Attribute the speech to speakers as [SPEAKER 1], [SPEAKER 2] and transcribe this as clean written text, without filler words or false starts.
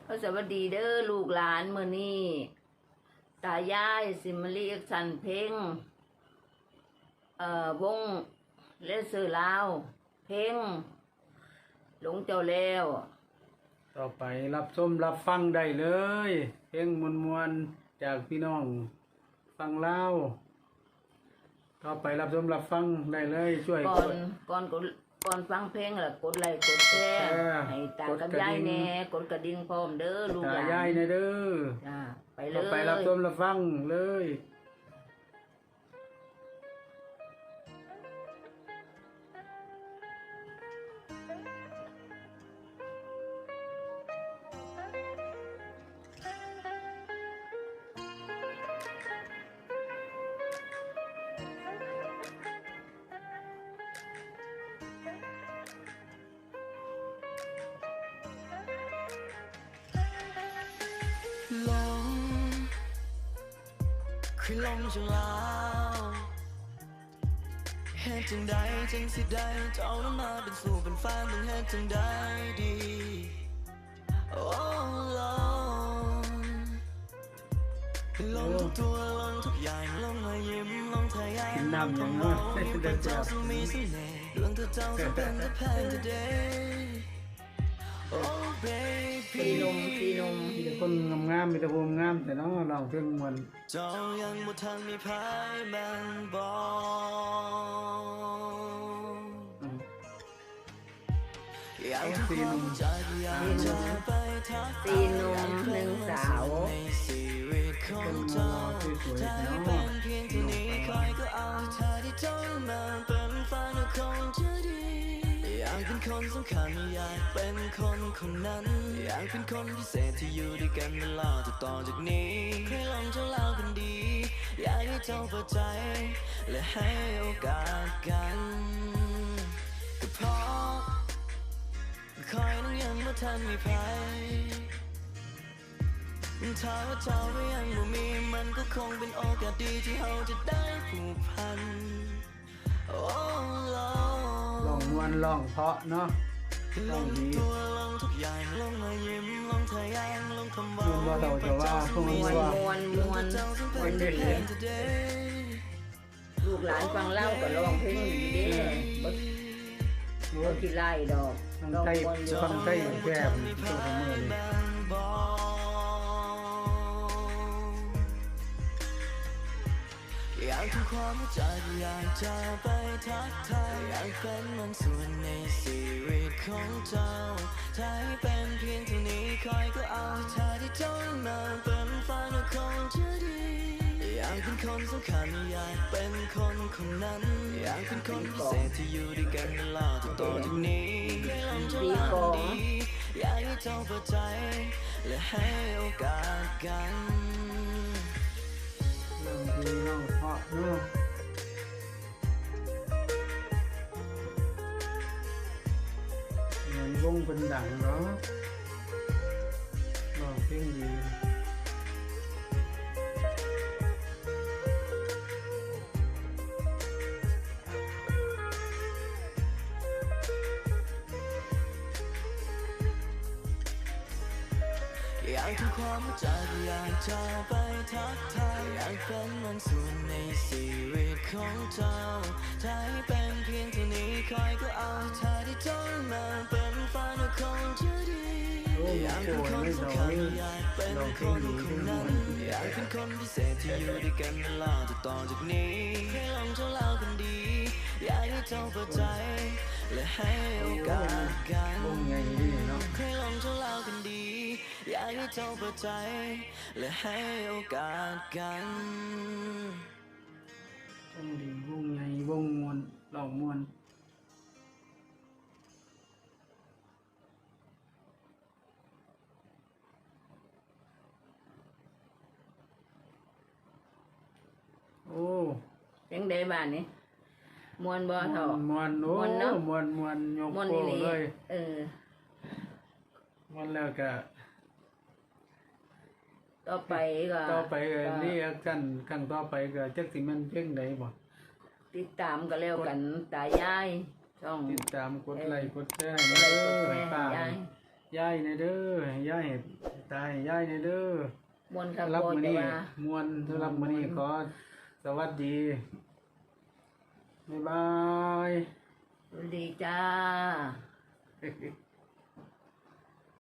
[SPEAKER 1] ก็สวัสดีเด้อลูกหลานมื้อนี้ตายายสิมาเรียกสันเพลงวงเลเซอร์ลาวเพลงหลงเจ้าแล้ว
[SPEAKER 2] ต่อไปรับชมรับฟังได้เลย เพลงมวลๆจากพี่น้องฟังลาวต่อไปรับชมรับฟังได้เลยช่วย
[SPEAKER 1] ก่อนฟังเพลงล่ะกดไลค์กดแชร์ให้ตากับยายแน่กดกระดิ่งพร้อมเด้อลูกหลาน
[SPEAKER 2] ตายายแน่เด้อ
[SPEAKER 1] จ้าไปเล
[SPEAKER 2] ต่อย ไปรับชมรับฟังเลย
[SPEAKER 3] ลงคือลงจากลาวเฮ็ดจังใดจังสิได้จะเอาน้ำมาเป็นสู่เป็นแฟนต้องเฮ็ดจังใดดีโอ้ลงทุกตัวลงทุกอย่างลงมายิ้มลงทายาลงคำว่ามีพระเจ้าทรงมีเสน่ห์ดวงเธอเจ้าทรงเป็นแต่แพง today oh baby
[SPEAKER 1] สีนม
[SPEAKER 2] มีแต่คนงามๆมีแต่ภูมิงามแต่น้องร้องเพลงมวล
[SPEAKER 3] เจ้ายังบ่ทันมีพายแม่นบอกอยากทุกคนจากอยากจะไปทักทายอยากเป็นวันสุดในชีวิตของเจ้าถ้าให้เป็นเพียงเท่านี้คอยก็เอาถ้าที่เจ้ามาเป็นแฟนก็คงจะดีอยากเป็นคนสำคัญอยากเป็นคนคนนั้นอยากเป็นคนพิเศษที่อยู่ด้วยกันตลอดต่อจากนี้ให้ลองเจ้าเล่ากันดีอยากให้เจ้าเปิดใจและให้โอกาสกันก็เพราะคอยนั้นยังไม่ทันมีภัยถ้าว่าเจ้าก็ยังไม่มีมันก็คงเป็นโอกาสดีที่เราจะได้ผูกพันโอ้
[SPEAKER 2] ร้องมวลร้องเพราะเนาะ
[SPEAKER 3] ลงตัวลงทุกอย่างลงมายิ้มลงทะยานลงคำว่า
[SPEAKER 1] มวนเด็ดลูกหลานฟังเล่าก็ร้องเพลงดีเด้บ่ขี้ไล่ดอก
[SPEAKER 2] ฟังไทยแก้มตัวเสมอเลย
[SPEAKER 3] อยากทำความรู้จักอยากจะไปทักทายอยากเป็นมันส่วนในชีวิตของเจ้าถ้าให้เป็นเพียงเท่านี้คอยก็เอาถ้าที่เจ้ามาเป็นแฟนก็คงจะดีอยากเป็นคนสำคัญอยากเป็นคนคนนั้นอยากเป็นคนพิเศษที่อยู่ด้วยกันตลอดต่อจากนี้ให้ลองจะเล่าดีอยากให้เจ้าเปิดใจและให้โอกาสกัน
[SPEAKER 2] ร้องดีร้องเพราะเนาะเหมือนวงเป็นดังเนาะร้องเพลงดี
[SPEAKER 3] อยากทำความรู้จักอยากจะไปทักทายอยากเป็นมันส่วนในชีวิตของเจ้าถ้าให้เป็นเพียงเท่านี้คอยก็เอาถ้าที่เจ้ามาเป็นแฟนก็คงจะดีอยากเป็นคนสำคัญอยากเป็นคนคนนั้นอยากเป็นคนพิเศษที่อยู่ด้วยกันตลอดต่อจากนี้ให้ลองเจ้าเล่ากันดีอยากให้เจ้าเปิดใจและให้โอกาสกันให้ลองเจ้าเล่ากันดีอยากให้เจ้าเปิดใจและให้โอกาสกัน
[SPEAKER 2] วงดีวงใหญ่วงมวลร้องมวลโอ้
[SPEAKER 1] ยังได้บ้านนี่มวนบ่เฒ่าม
[SPEAKER 2] วลโอ้
[SPEAKER 1] เนาะ
[SPEAKER 2] มวลยกโป้เลยมวลแล้วก็
[SPEAKER 1] ต่อไป
[SPEAKER 2] นี่กันครั้งต่อไปก็จักสิแม่นเพลงใดบ่
[SPEAKER 1] ติดตามก็แล้วกันตายายช่อง
[SPEAKER 2] ติดตามกดไลค์กดแชร์ให้เด้อให้ป้ายายในเด้อยายตายยายเนี่ยเด้อ
[SPEAKER 1] มวนครับ
[SPEAKER 2] รับ
[SPEAKER 1] พ่อ
[SPEAKER 2] มื้อ
[SPEAKER 1] จะ
[SPEAKER 2] นี้
[SPEAKER 1] ว่า
[SPEAKER 2] มวนสำหรับมื้อนี้ขอสวัสดีบ๊ายบาย
[SPEAKER 1] สวัสดีจ้า